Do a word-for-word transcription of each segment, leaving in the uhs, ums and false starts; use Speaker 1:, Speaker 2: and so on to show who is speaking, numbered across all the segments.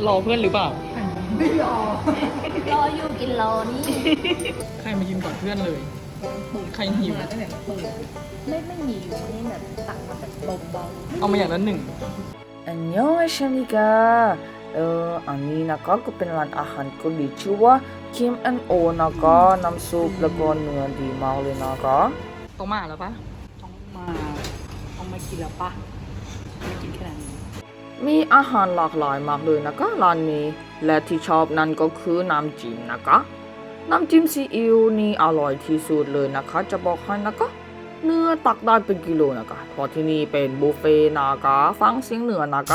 Speaker 1: รอเพื่อนหรือเปล่า
Speaker 2: ไม่รอรออยู่กินรอนี่
Speaker 1: ใครมากินก่อนเพื่อนเลยใครหิว
Speaker 2: ไม่ไม่มีอยู่นี่แบบตักมาแบบเบา
Speaker 1: ๆเอามาอย่างละหนึ่ง
Speaker 3: อันยองอาชามิกาเอออันนี้นะคะก็เป็นร้านอาหารเกาหลีชื่อว่า Kim and O นะคะน้ำซุปแล้วก็เนื้อดีมากเลยนะคะ
Speaker 1: ต้องมาแล้วปะ
Speaker 2: ต้องมาต้องมากินแล้วปะไม่กินแค่นั้น
Speaker 3: มีอาหารหลากหลายมากเลยนะคะร้านนี้และที่ชอบนั่นก็คือน้ำจิ้มนะคะน้ำจิ้มซีอิ๊วนี่อร่อยที่สุดเลยนะคะจะบอกให้นะคะเนื้อตักได้เป็นกิโลนะคะเพราะที่นี่เป็นบุฟเฟ่ต์นะคะฟังเสียงเนื้อนะคะ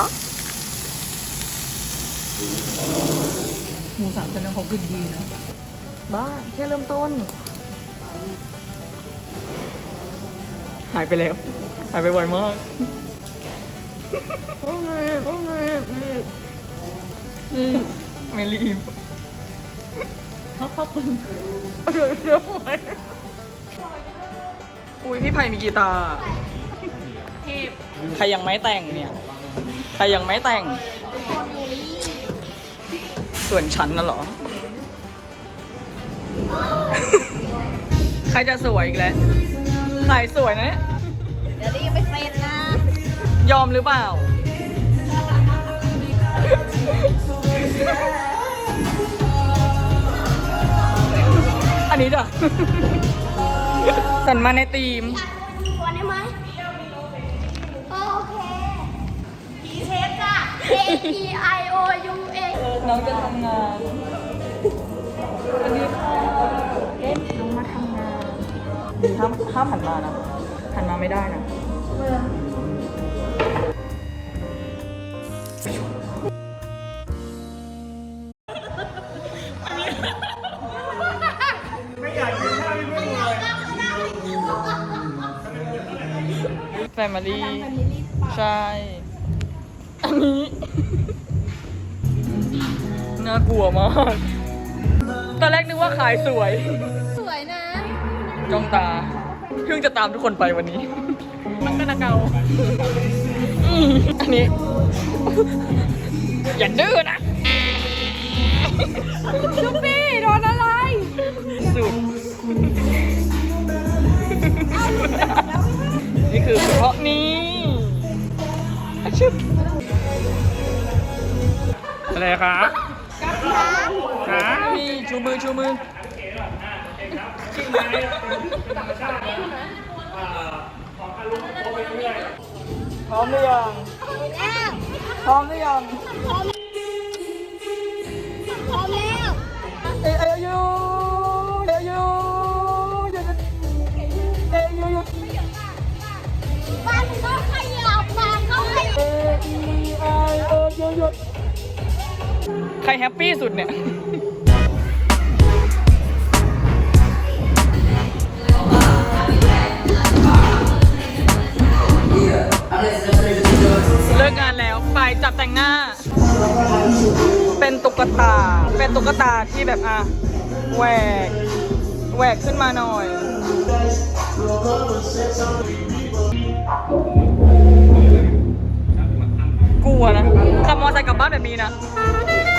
Speaker 1: หมูสามชั้นเขาขึ้นดีนะ
Speaker 3: บ้าแค่เริ่มต้น
Speaker 1: หายไปแล้วหายไปไวมาก
Speaker 3: โอ้ยโอ้ย
Speaker 1: ไม่รีบ
Speaker 2: เขาขอบคุณ
Speaker 1: เดี๋ยวเดี๋ยวไปอุ้ยพี่ไผ่มีกีตาร์ใครยังไม่แต่งเนี่ยใครยังไม่แต่งส่วนฉันน่ะเหรอใครจะสวยอีกแล้วใครสวยนะเนี่ย
Speaker 2: เดี๋ยวนี้ยังไม่เซ็นนะ
Speaker 1: ยอมหรือเปล่าอันนี้จ้ะสันมาในทีม
Speaker 2: ควรได้ไหมโอเคเชฟจ้ะ A E I O U A
Speaker 1: น้องจะทำงานอันนี้ค่ะเอ๊ะน้องมาทำงานห้ามห้ามหันมานะหันมาไม่ได้นะแฟมิลี่ใช่อันนี้น่ากลัวมากตอนแรกนึกว่าขายสวย
Speaker 2: สวยนะ
Speaker 1: จ้องตาเพิ่งจะตามทุกคนไปวันนี้มันก็นาเกาอันนี้อย่าดื้อนะ
Speaker 2: ชุบปี้โดนอะไร
Speaker 1: สุดนี่คือเฉพาะนี้ชึบอะไรคะคะนี่ชูมือชูมือพร้อมหรือยังพร้อมหรือยัง
Speaker 2: พร้อมพร้อมแล้ว
Speaker 1: เอ้ยเอ้ยยูเอ้ยยูหยุดเอ้ยยูหยุด
Speaker 2: บ้านก็ขยับมาเขาขยับ
Speaker 1: เอ้ยไอเอ้ยยูหยุดใครแฮปปี้สุดเนี่ยเลิกงานแล้วไปจับแต่งหน้าเป็นตุ๊กตาเป็นตุ๊กตาที่แบบอ่ะแหวกแหวกขึ้นมาหน่อยกลัวนะขับมอเตอร์ไซค์กลับบ้านแบบนี้นะ